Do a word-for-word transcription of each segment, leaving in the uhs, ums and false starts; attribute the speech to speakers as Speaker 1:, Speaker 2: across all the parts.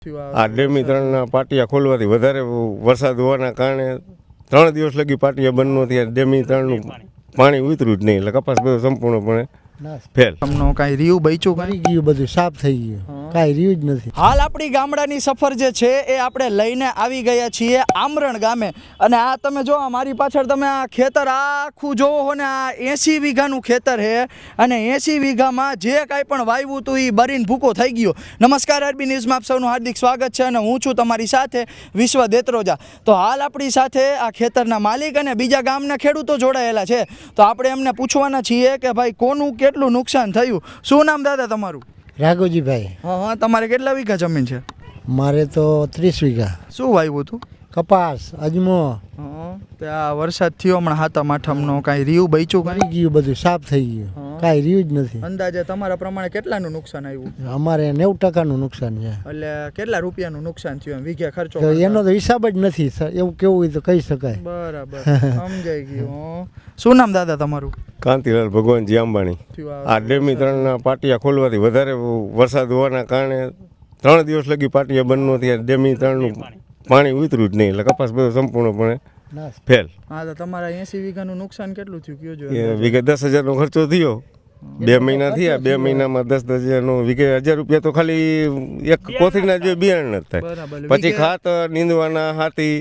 Speaker 1: આ ડેમી ત્રણના પાટિયા ખોલવાથી વધારે વરસાદ હોવાના કારણે ત્રણ દિવસ લગી પાટિયા બંધ ન થયા. ડેમી ત્રણનું પાણી ઉતર્યું જ નહીં એટલે કપાસ બધો સંપૂર્ણપણે ફેલ.
Speaker 2: તમને કાંઈ રીયું બચ્યું
Speaker 3: કરી ગયું, બધું સાફ થઈ ગયું, કાંઈ રહ્યું જ નથી.
Speaker 2: હાલ આપણી ગામડાની સફર જે છે એ આપણે લઈને આવી ગયા છીએ આમરણ ગામે. અને આ તમે જો મારી પાછળ તમે આ ખેતર આખું જોવો હો ને, આ એંસી વીઘાનું ખેતર છે અને એંસી વીઘામાં જે કાંઈ પણ વાવ્યું હતું એ બરીને ભૂકો થઈ ગયો. નમસ્કાર, આરબી ન્યૂઝમાં આપ સૌનું હાર્દિક સ્વાગત છે અને હું છું તમારી સાથે વિશ્વ દેત્રોજા. તો હાલ આપણી સાથે આ ખેતરના માલિક અને બીજા ગામના ખેડૂતો જોડાયેલા છે. તો આપણે એમને પૂછવાના છીએ કે ભાઈ કોનું કેટલું નુકસાન થયું. શું નામ દાદા તમારું?
Speaker 3: રાઘોજીભાઈ.
Speaker 2: હા હા, તમારે કેટલા વીઘા જમીન છે?
Speaker 3: મારે તો ત્રીસ વીઘા.
Speaker 2: શું વાવ્યું હતું?
Speaker 3: કપાસ, અજમો.
Speaker 2: હા, ત્યાં વરસાદ થયો હમણાં હાથમ આઠમનો, કાંઈ રીયું બચ્યું?
Speaker 3: કરી ગયું, બધું સાફ થઈ ગયું, કાંઈ રહ્યું જ નથી.
Speaker 2: અંદાજે તમારા પ્રમાણે કેટલાનું નુકસાન આવ્યું?
Speaker 3: અમારે નેવું ટકાનું નુકસાન છે.
Speaker 2: એટલે કેટલા રૂપિયાનું નુકસાન થયું એમ વીઘે ખર્ચો?
Speaker 3: તો એનો તો હિસાબ જ નથી, એવું કેવું હોય તો કહી શકાય.
Speaker 2: બરાબર, સમજાઈ ગયું. શું નામ દાદા તમારું?
Speaker 1: કાંતિલાલ ભગવાનજી અંબાણી. આ ડેમી ત્રણના પાટિયા ખોલવાથી વધારે વરસાદ હોવાના કારણે ત્રણ દિવસ લગી પાટિયા બંધ ન થયા. ડેમી ત્રણનું પાણી ઉતર્યું જ નહીં એટલે કપાસ બધો સંપૂર્ણપણે ફેલ.
Speaker 2: હા, તો તમારા એંસી વીઘાનું નુકસાન કેટલું થયું કયો?
Speaker 1: એ વીઘે દસ હજારનો ખર્ચો થયો. બે મહિના થયા, બે મહિનામાં દસ દસ હજારનો વીઘે હજાર રૂપિયા તો ખાલી એક કોથળીના જે બિયારણ જ થાય. પછી ખાતર, નીંદવાના હાથી,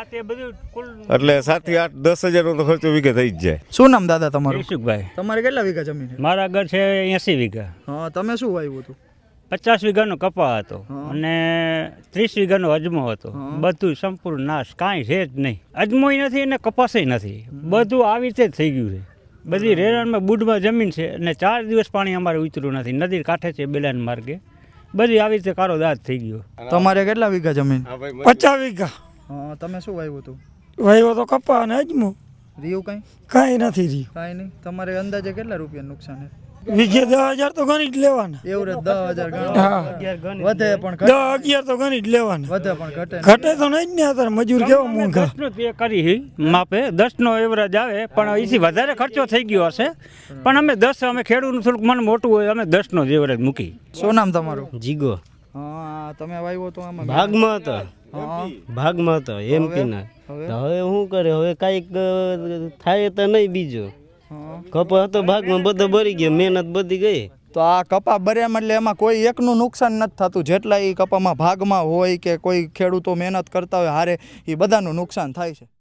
Speaker 1: એટલે સાત થી આઠ દસ હજારનો તો ખર્ચો વીઘે થઈ જ જાય.
Speaker 2: શું નામ દાદા તમારું?
Speaker 4: ઈશુભાઈ.
Speaker 2: તમારે કેટલા વીઘા જમીન છે?
Speaker 4: મારા ઘર છે એસી વીઘા.
Speaker 2: હા, તમે શું વાવ્યું હતું?
Speaker 4: પચાસ વીઘાનો કપા હતો અને ત્રીસ વીઘાનો અજમો હતો. બધું સંપૂર્ણ નાશ, કાંઈ છે જ નહીં. અજમોય નથી અને કપાસય નથી, બધું આવી રીતે જ થઈ ગયું છે. બધી રેરાનમાં બુડમાં જમીન છે અને ચાર દિવસ પાણી અમારે ઉતર્યું નથી. નદી કાંઠે છે બેલાન માર્ગે, બધી આવી રીતે કારો દાદ થઈ ગયો.
Speaker 2: તમારે કેટલા વીઘા જમીન?
Speaker 5: પચાસ વીઘા.
Speaker 2: હા, તમે શું વાવ્યું હતું?
Speaker 5: વાવ્યો તો કપા અને અજમો.
Speaker 2: રીયું કાંઈ?
Speaker 5: કાંઈ નથી રહ્યું.
Speaker 2: કાંઈ નહીં. તમારે અંદાજે કેટલા રૂપિયા નુકસાન છે?
Speaker 5: વીઘે દસ હજાર તો ગણી જ લેવાના.
Speaker 2: એવું રે, દસ હજાર
Speaker 5: હા,
Speaker 2: વધે પણ
Speaker 5: દસ અગિયાર તો ગણી જ લેવાના.
Speaker 2: વધે પણ ઘટે
Speaker 5: ઘટે તો નહીં જ ને. અત્યારે મજૂર કેવો મોંઘા.
Speaker 4: દસનો તે કરી માપે દસનો એવરેજ આવે, પણ એથી વધારે ખર્ચો થઈ ગયો હશે. પણ અમે દસ, અમે ખેડૂતનું થોડુંક મન મોટું હોય, અમે દસનો જ એવરેજ મૂકી.
Speaker 2: શું નામ તમારું?
Speaker 6: જીગો.
Speaker 2: હા, તમે વાવ્યો તો આમાં
Speaker 6: ભાગમાં હતો.
Speaker 2: હા,
Speaker 6: ભાગમાં હતો એમપીના. હવે શું કરે, હવે કાંઈક થાય તો નહીં. બીજો કપા હતો ભાગમાં, બધો ભરી ગયો, મહેનત બધી ગઈ.
Speaker 2: તો આ કપા બર્યા એટલે એમાં કોઈ એકનું નુકસાન નથી થતું. જેટલા એ કપામાં ભાગમાં હોય કે કોઈ ખેડૂતો મહેનત કરતા હોય હારે, એ બધાનું નુકસાન થાય છે.